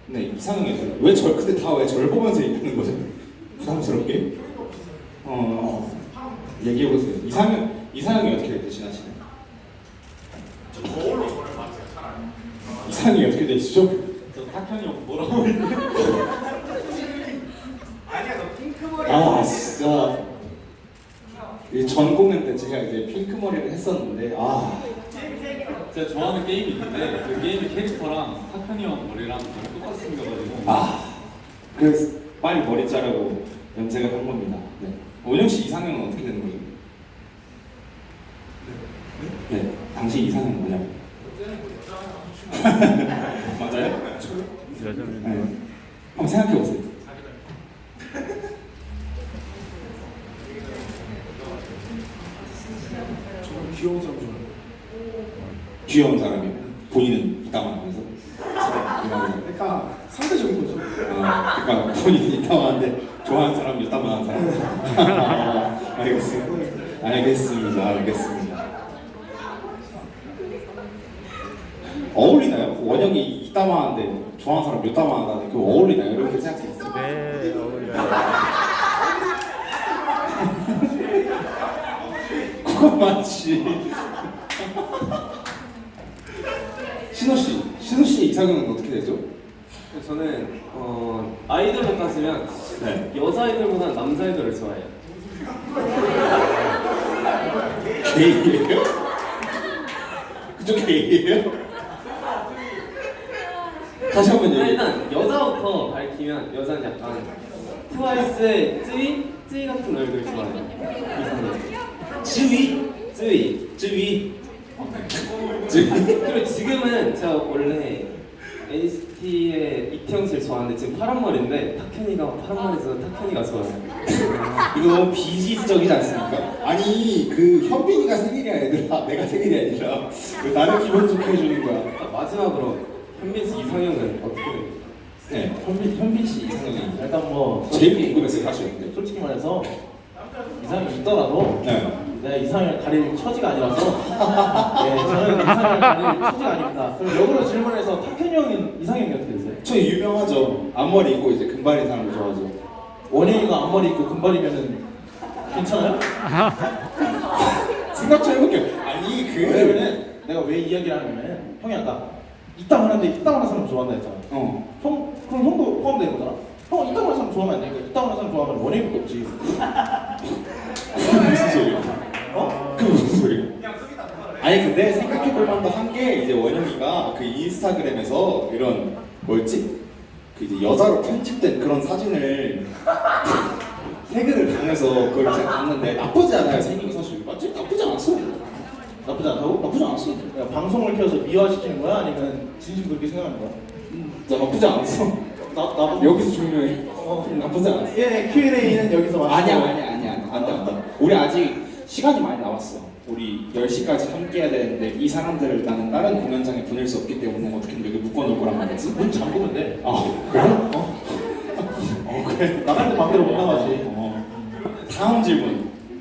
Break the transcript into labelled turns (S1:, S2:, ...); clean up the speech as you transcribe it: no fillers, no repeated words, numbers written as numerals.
S1: 네, 이상형이죠. 근데 다 왜 절 보면서 얘기하는 거죠? 부담스럽게? 얘기해보세요. 이상형이 어떻게 되시나시나요?
S2: 저 거울로 저를 봐주세요, 차라리.
S1: 이상형이 어떻게 되시죠?
S3: 저 탁현이 형 뭐라고 했는데?
S2: 아니야, 너 핑크머리.
S1: 아, 진짜. 전 공연 때 제가 이제 핑크 머리를 했었는데,
S3: 제가 좋아하는 게임이 있는데 그 게임의 캐릭터랑 탁현이 형 머리랑 너무 똑같이 생겨가지고
S1: 그래서 빨리 머리 자르고 염색을 한 겁니다. 네. 원영 씨 이상형은 어떻게 되는 거죠? 네, 당신 이상형 뭐냐고? 맞아요? 네. 한번 생각해 보세요.
S4: 저는 귀여운 사람 좋아해요.
S1: 귀여운 사람이요. 본인은 이따만 하면서.
S4: 그러니까 상대적인 거죠.
S1: 그러니까 본인이 이따만한데 좋아하는 사람 이따만 하는 사람. 알겠습니다. 어울리나요? 원영이 이따만한데 좋아하는 사람 이따만하다는데 그거 어울리나요? 이렇게 생각했어요.
S5: 네, 어울려요.
S1: 그건 맞지. 신호 씨 이상형은 어떻게 되죠?
S6: 저는 아이돌로 따지면
S1: 네.
S6: 여자 아이돌보다 남자 아이돌을 좋아해요.
S1: 게이예요? 그쪽 게이예요? 다시 한번 얘기해.
S6: 일단 여자부터 밝히면 여자는 약간 트와이스의 쯔위 같은 얼굴 좋아해요. 이상해요. 쯔위. 그리고 지금은 제가 원래 NCT의 이태영 씨를 좋아하는데 지금 파란 머리인데 탁현이가 파란 머리에서 탁현이가 좋아요.
S1: 이거 비지적이지 않습니까? 아니 그 현빈이가 생일이야 얘들아. 내가 생일이 아니라 왜 나를 기분 좋게 해주는 거야?
S6: 마지막으로 현빈 씨 이상형은 어떻게 돼요?
S1: 네, 현빈 씨 이상형이
S7: 일단 뭐
S1: 제일 궁금했어요 사실. 근데
S7: 솔직히 말해서 이상이 있더라도
S1: 네.
S7: 내가 이상을 가릴 처지가 아니라서 네, 저는 이상을 가릴 처지가 아닙니다. 그럼 역으로 질문해서 탁현이 형은 이상형이 어떻게 되세요?
S1: 저 유명하죠. 앞머리 있고 이제 금발인 사람을 좋아하죠.
S7: 원영이가 앞머리 있고 금발이면은 괜찮아요?
S1: 생각 좀 해볼게요. 아니
S7: 왜냐면은 내가 왜 이야기를 하냐면 형이 아까 이따만한데 이따만한 사람 좋아한다 했잖아. 형 그럼 형도 포함되는 거잖아. 형 이따만한 사람 좋아하면 안 되니까 이따만한 사람 좋아하면 원영이밖에 없지.
S1: 그게 무슨 소리야? 그게 무슨 소리야? 아니 근데 생각해볼 만도 한 게 이제 원영이가 그 인스타그램에서 이런 뭐였지? 그 이제 여자로 편집된 그런 사진을 태그를 당해서 그걸 제가 봤는데 나쁘지 않아요. 생긴 사실 맞지? 나쁘지 않았어.
S7: 나쁘지 않다고?
S1: 나쁘지 않았어.
S7: 야, 방송을 켜서 미화시키는 거야? 아니면 진심 그렇게 생각하는 거야?
S1: 나 나쁘지 않았어.
S7: 나도
S1: 여기서 조용해. 나쁘지 않았어.
S7: 예, Q&A는 여기서 마치고
S1: 아니야. 안 돼. 우리 아직 시간이 많이 남았어. 우리 10시까지 함께 해야 되는데 이 사람들을 나는 다른 공연장에 보낼 수 없기 때문에 어떻게든 여기 묶어놓을 거란 말이지.
S7: 문 잠그면 돼.
S1: 그래? 그래?
S7: 나갈 때 반대로 못 나가지.
S1: 다음 질문.